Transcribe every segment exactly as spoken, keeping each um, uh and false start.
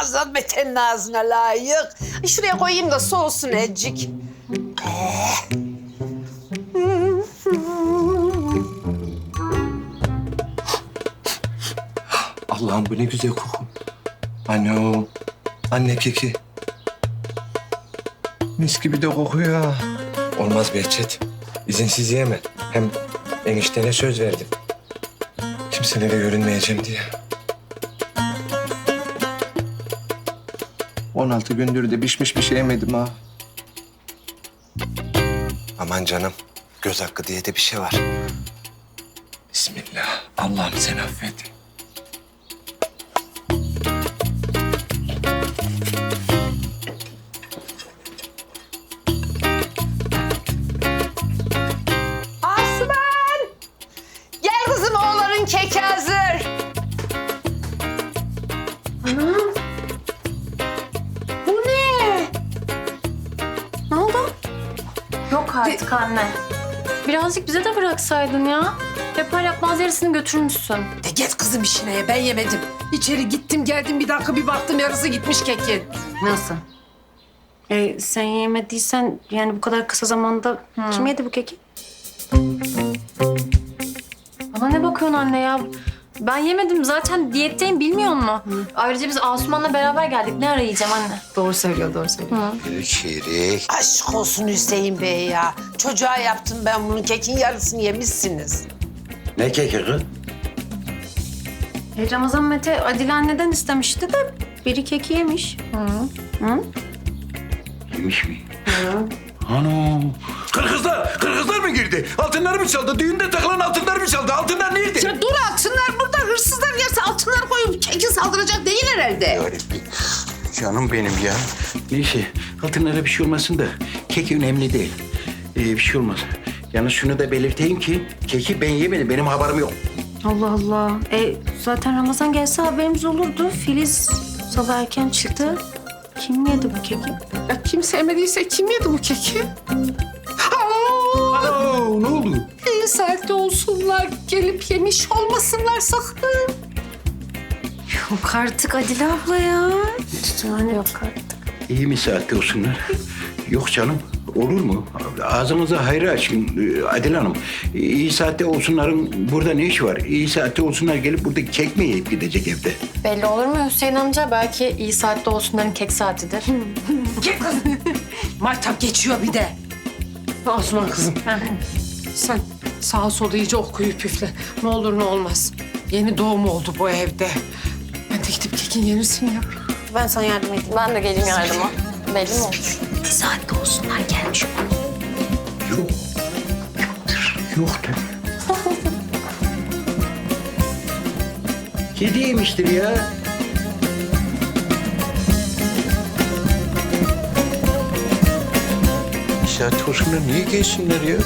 Ramazan Mete'nin ağzına layık. Ay, şuraya koyayım da soğusun ecik. Allah'ım bu ne güzel koku. Anne o. Anne keki. Mis gibi de kokuyor ha. Olmaz Behçet. İzinsiz yeme. Hem eniştene söz verdim. Kimselere görünmeyeceğim diye. on altı gündür de pişmiş bir şey yemedim ha. Aman canım. Göz hakkı diye de bir şey var. Bismillah. Allah'ım sen affet. Asuman! Gel kızım, oğlanın keki hazır. Anam. Bu ne? Ne oldu? Yok artık anne. Birazcık bize de bıraksaydın ya. Yapar yapmaz yarısını götürmüşsün. De git kızım işine, ben yemedim. İçeri gittim geldim, bir dakika bir baktım yarısı gitmiş kekin. Nasıl? E, sen yemediysen yani bu kadar kısa zamanda kim yedi bu keki? Bana ne bakıyorsun anne ya? Ben yemedim zaten, diyetteyim, bilmiyor musun? Ayrıca biz Asuman'la beraber geldik. Ne ara yiyeceğim anne? Doğru söylüyor, doğru söylüyor. Şirik. Aşk olsun Hüseyin Bey ya. Çocuğa yaptım ben bunun, kekin yarısını yemişsiniz. Ne keki kız? E, Ramazan Mete Adile anneden istemişti de biri keki yemiş. Hı. Hı? Yemiş mi? Ana. Kırgızlar, Kırgızlar mı girdi? Altınları mı çaldı? Düğünde takılan altınları mı çaldı? Altınlar nerede? Ya dur, altınlar burada. Hırsızlar yerse altınlar koyup kekin saldıracak değil herhalde. Yarabbim. Canım benim ya. Neyse, altınlara bir şey olmasın da kek önemli değil. Ee, bir şey olmaz. Yalnız şunu da belirteyim ki keki ben yemedim. Benim haberim yok. Allah Allah. E, zaten Ramazan gelse haberimiz olurdu. Filiz sabah erken çıktı. Kim yedi bu keki? Ya kim sevmediyse kim yedi bu keki? Aa, Aa, ne oldu? iyi saatte olsunlar, gelip yemiş olmasınlar sakın. Yok artık Adile abla ya. Yani yok artık. İyi mi saatte olsunlar? Yok canım. Olur mu? Ağzınıza hayır açın ee, Adile Hanım. İyi saatte olsunların burada ne işi var? İyi saatte olsunlar gelip burada kek mi yiyip gidecek evde? Belli olur mu Hüseyin amca? Belki iyi saatte olsunların kek saatidir. Gel kızım. Maytap geçiyor bir de. Asuman kızım. Sen sağa sola iyice okuyup püfle. Ne olur ne olmaz. Yeni doğum oldu bu evde. Ben de gidip kekin yenisini yapayım. Ben sana yardım edeyim. Ben de geleyim yardıma. Belli mi olur? Bir saatte olsunlar gelmiş olur. Yok. Yoktur. Kedi yemiştir ya. Saat olsunlar niye gelsinler ya?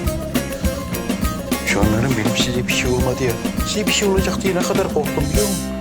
Şu anların benim size bir şey olmadı ya. Size bir şey olacak diye ne kadar korktum biliyor musun?